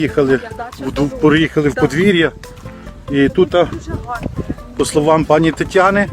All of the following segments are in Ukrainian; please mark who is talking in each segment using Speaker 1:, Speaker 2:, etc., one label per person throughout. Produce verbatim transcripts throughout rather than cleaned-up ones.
Speaker 1: Їхали, Приїхали в подвір'я, і тут, по словам пані Тетяни,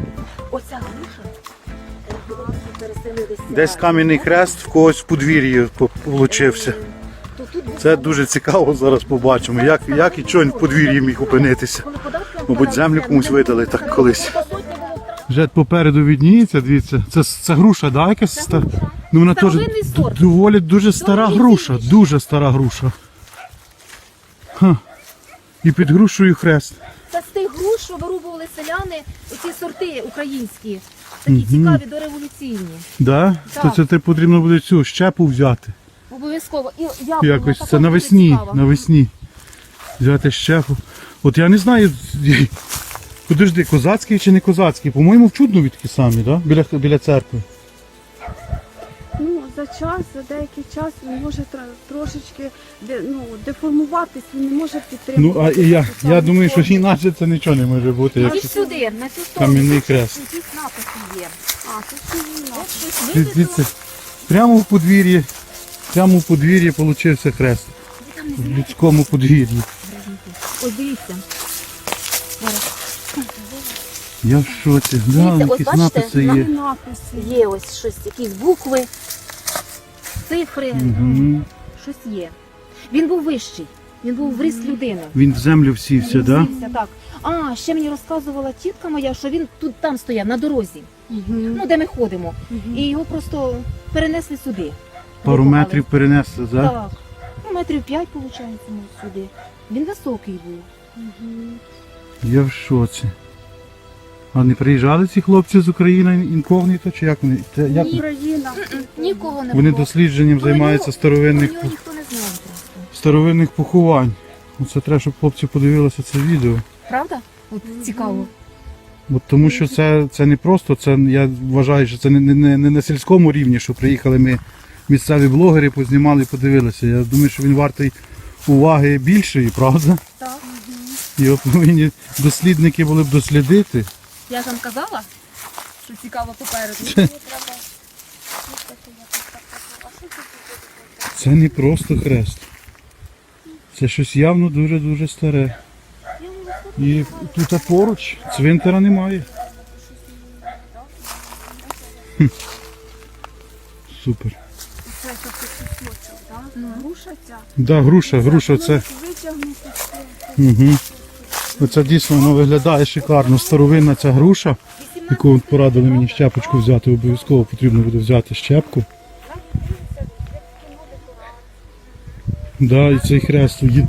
Speaker 1: десь кам'яний хрест в когось в подвір'ї получився. Це дуже цікаво, зараз побачимо, як, як і чого в подвір'ї міг опинитися. Мабуть, землю комусь видали так колись. Вже попереду відніється, дивіться, це, це груша, да, якась стара? Ну, вона теж доволі дуже стара груша, дуже стара груша. Ха. І під грушею хрест.
Speaker 2: Це з тих груш, що вирубували селяни, оці сорти українські, такі угу. цікаві, дореволюційні.
Speaker 1: Да?
Speaker 2: Так?
Speaker 1: То це ти потрібно буде цю щепу взяти.
Speaker 2: Обов'язково. І яблука,
Speaker 1: якось це навесні, навесні. Взяти щепу. От я не знаю, подожди, козацький чи не козацький? По-моєму, в Чуднові самі, да? біля, біля церкви.
Speaker 3: Ну, за час, за деякий час він може трошечки де, ну, деформуватись, він не може підтримувати.
Speaker 1: Ну, а і я, я думаю, що інакше це нічого не може бути.
Speaker 2: Як сюди, на цю сторону.
Speaker 1: Кам'яний хрест.
Speaker 2: Якісь написи є.
Speaker 3: А, тут
Speaker 2: Ось щось
Speaker 1: прямо в подвір'ї, прямо в подвір'ї получився хрест. В людському подвір'ї.
Speaker 2: Ось дивіться.
Speaker 1: Я в шоці. Да,
Speaker 2: Дивіться,
Speaker 1: якісь
Speaker 2: ось
Speaker 1: написи є.
Speaker 3: написи.
Speaker 2: Є ось щось, якісь букви, цифри,
Speaker 1: Угу.
Speaker 2: щось є. Він був вищий, він був в ріст людини.
Speaker 1: Він в землю всівся, так? Да?
Speaker 2: Всівся, так. А, ще мені розказувала тітка моя, що він тут там стояв, на дорозі,
Speaker 3: Угу.
Speaker 2: ну де ми ходимо.
Speaker 3: Угу.
Speaker 2: І його просто перенесли сюди.
Speaker 1: Пару
Speaker 2: Викопали.
Speaker 1: метрів перенесли, так? Да?
Speaker 2: Так. Ну, метрів п'ять, виходить, ну, сюди. Він високий був.
Speaker 3: Угу.
Speaker 1: Я в шоці. А не приїжджали ці хлопці з України інкогніто, чи як вони? Це, як...
Speaker 3: Україна.
Speaker 2: Нікого не
Speaker 1: Вони
Speaker 2: було.
Speaker 1: дослідженням
Speaker 2: Про
Speaker 1: займаються
Speaker 2: нього-
Speaker 1: старовинних,
Speaker 2: Про нього ніхто не знав просто.
Speaker 1: старовинних поховань. Оце треба, щоб хлопці подивилися це відео.
Speaker 2: Правда? От цікаво.
Speaker 1: От тому що це, це не просто, це я вважаю, що це не, не, не на сільському рівні, що приїхали ми місцеві блогери, познімали і подивилися. Я думаю, що він вартий уваги більшої, правда?
Speaker 2: Так.
Speaker 1: Його повинні дослідники були б дослідити.
Speaker 2: Я ж вам казала, що цікаво попереду.
Speaker 1: Це не просто хрест. Це щось явно дуже-дуже старе. І тут поруч цвинтара немає. Хм. Супер.
Speaker 3: Це такий кусочок, так? Груша ця.
Speaker 1: Да, груша, груша це.
Speaker 3: Витягнути.
Speaker 1: Угу. Оце дійсно воно виглядає шикарно. Старовинна ця груша, яку порадили мені щепочку взяти, обов'язково потрібно буде взяти щепку. Да, і цей хрест